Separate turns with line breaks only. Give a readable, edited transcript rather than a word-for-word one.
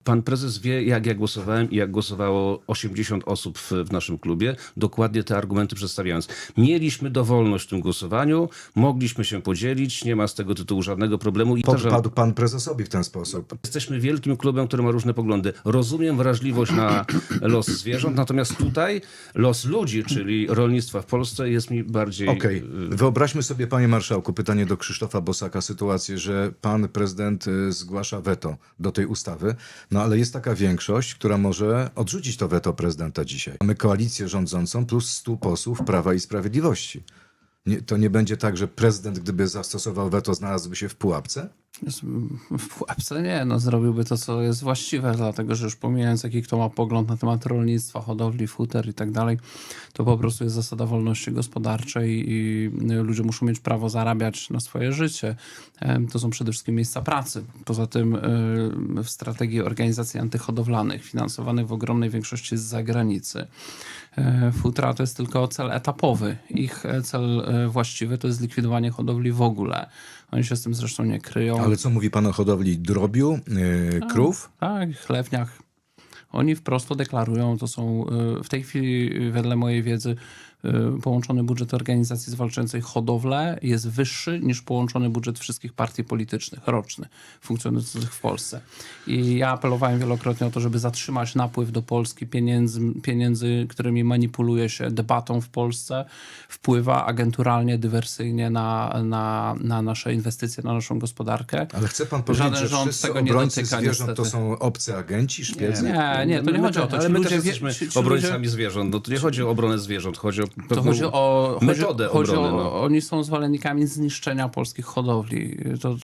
Pan prezes wie, jak ja głosowałem i jak głosowało 80 osób w naszym klubie, dokładnie te argumenty przedstawiając. Mieliśmy dowolność w tym głosowaniu, mogliśmy się podzielić, nie ma z tego tytułu żadnego problemu. I
Podpadł pan prezesowi w ten sposób.
Jesteśmy wielkim klubem, który ma różne poglądy. Rozumiem wrażliwość na los zwierząt, natomiast tutaj los ludzi, czyli rolnictwa w Polsce jest mi bardziej...
Okej. Wyobraźmy sobie, panie marszałku, pytanie do Krzysztofa Bosaka, sytuację, że pan prezydent zgłasza weto do tej ustawy, no ale jest taka większość, która może odrzucić to weto prezydenta dzisiaj. Mamy koalicję rządzącą plus 100 posłów Prawa i Sprawiedliwości. To nie będzie tak, że prezydent, gdyby zastosował weto, znalazłby się w pułapce?
W pułapce nie, no zrobiłby to, co jest właściwe, dlatego że już pomijając, jaki kto ma pogląd na temat rolnictwa, hodowli, futer i tak dalej, to po prostu jest zasada wolności gospodarczej i ludzie muszą mieć prawo zarabiać na swoje życie. To są przede wszystkim miejsca pracy. Poza tym w strategii organizacji antyhodowlanych, finansowanych w ogromnej większości z zagranicy, futra to jest tylko cel etapowy. Ich cel właściwy to jest zlikwidowanie hodowli w ogóle. Oni się z tym zresztą nie kryją.
Ale co mówi pan o hodowli drobiu, krów?
Tak, chlewniach. Oni wprost to deklarują, to są w tej chwili, wedle mojej wiedzy, połączony budżet organizacji zwalczającej hodowlę jest wyższy niż połączony budżet wszystkich partii politycznych roczny funkcjonujących w Polsce. I ja apelowałem wielokrotnie o to, żeby zatrzymać napływ do Polski pieniędzy, którymi manipuluje się debatą w Polsce, wpływa agenturalnie, dywersyjnie na nasze inwestycje, na naszą gospodarkę.
Ale chce pan powiedzieć, że
rząd
wszyscy
tego nie
obrońcy
dotyka,
zwierząt to
niestety.
są obcy agenci, szpiedzy?
Nie, to nie chodzi o to.
Ale
Ci
my
ludzie
też jesteśmy
ci
obrońcami zwierząt. No to nie chodzi o obronę zwierząt, chodzi o
To
pewną
chodzi o
metodę obrony. No.
Oni są zwolennikami zniszczenia polskich hodowli.